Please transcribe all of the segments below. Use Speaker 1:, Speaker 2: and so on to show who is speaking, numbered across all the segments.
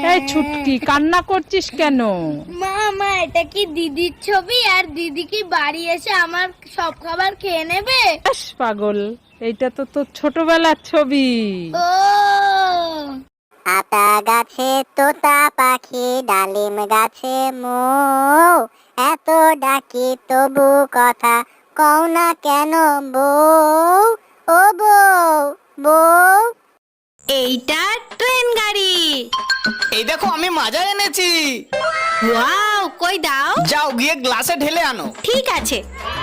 Speaker 1: এই ছুটকি, কান্না করছিস কেন?
Speaker 2: মা এটা কি দিদির ছবি? আর দিদি কি বাড়ি এসে আমার সব খাবার খেয়ে নেবে?
Speaker 1: ব্যাস পাগল, এইটা তো তোর ছোটবেলার ছবি।
Speaker 2: ও
Speaker 3: আতা গাছে তোতা পাখি, ডালিম গাছে মৌ, এত ডাকি তবু কথা কও না কেন বউ? ও বউ, বউ।
Speaker 2: এইটা ট্রেন গাড়ি।
Speaker 4: এই দেখো আমি মাজা এনেছি।
Speaker 2: ওয়াও, কই দাও।
Speaker 4: যাও গিয়ে গ্লাসে ঢেলে আনো।
Speaker 2: ঠিক আছে।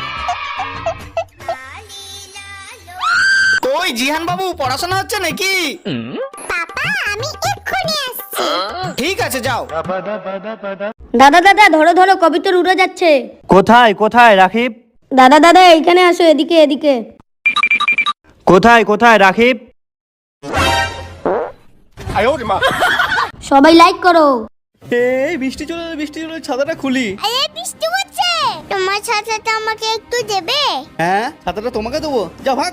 Speaker 4: কই জিহান বাবু, পড়াশোনা হচ্ছে নাকি?
Speaker 3: পাপা আমি এক্ষুনি আসছি।
Speaker 4: ঠিক আছে যাও।
Speaker 5: দাদা দাদা ধরো ধরো, কবিতর উড়ে যাচ্ছে।
Speaker 6: কোথায় কোথায় রাখিব?
Speaker 5: দাদা দাদা এইখানে আসো, এদিকে এদিকে।
Speaker 6: কোথায় কোথায় রাখিব?
Speaker 5: সবাই লাইক করো।
Speaker 6: এই বৃষ্টি চলে ছাতাটা খুলি।
Speaker 3: আরে বৃষ্টি হচ্ছে, তোমার ছাতাটা আমাকে একটু দেবে?
Speaker 6: হ্যাঁ, ছাতাটা তোমাকে দেবো, যা ভাগ।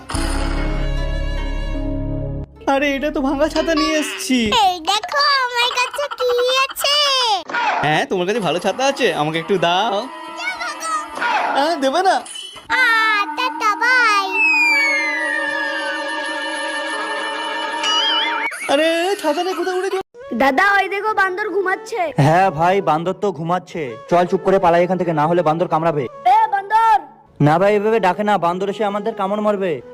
Speaker 6: আরে এটা তো ভাঙা ছাতা নিয়ে এসেছি।
Speaker 3: এই দেখো আমার কাছে কি আছে।
Speaker 6: হ্যাঁ, তোমার কাছে ভালো ছাতা আছে, আমাকে একটু দাও। হ্যাঁ, দেবে না?
Speaker 3: Tata bye.
Speaker 6: আরে ছাতা নিয়ে কোথায় উড়ে?
Speaker 5: দাদা ওই দেখো বান্দর ঘুমাচ্ছে।
Speaker 6: হ্যাঁ ভাই, বান্দর তো ঘুমাচ্ছে। চল চুপ করে পালাই এখান থেকে, না হলে বান্দর কামড়াবে।
Speaker 5: এ বান্দর।
Speaker 6: না ভাই, এভাবে ডাকে না, বান্দর এসে আমাদের কামড় মারবে।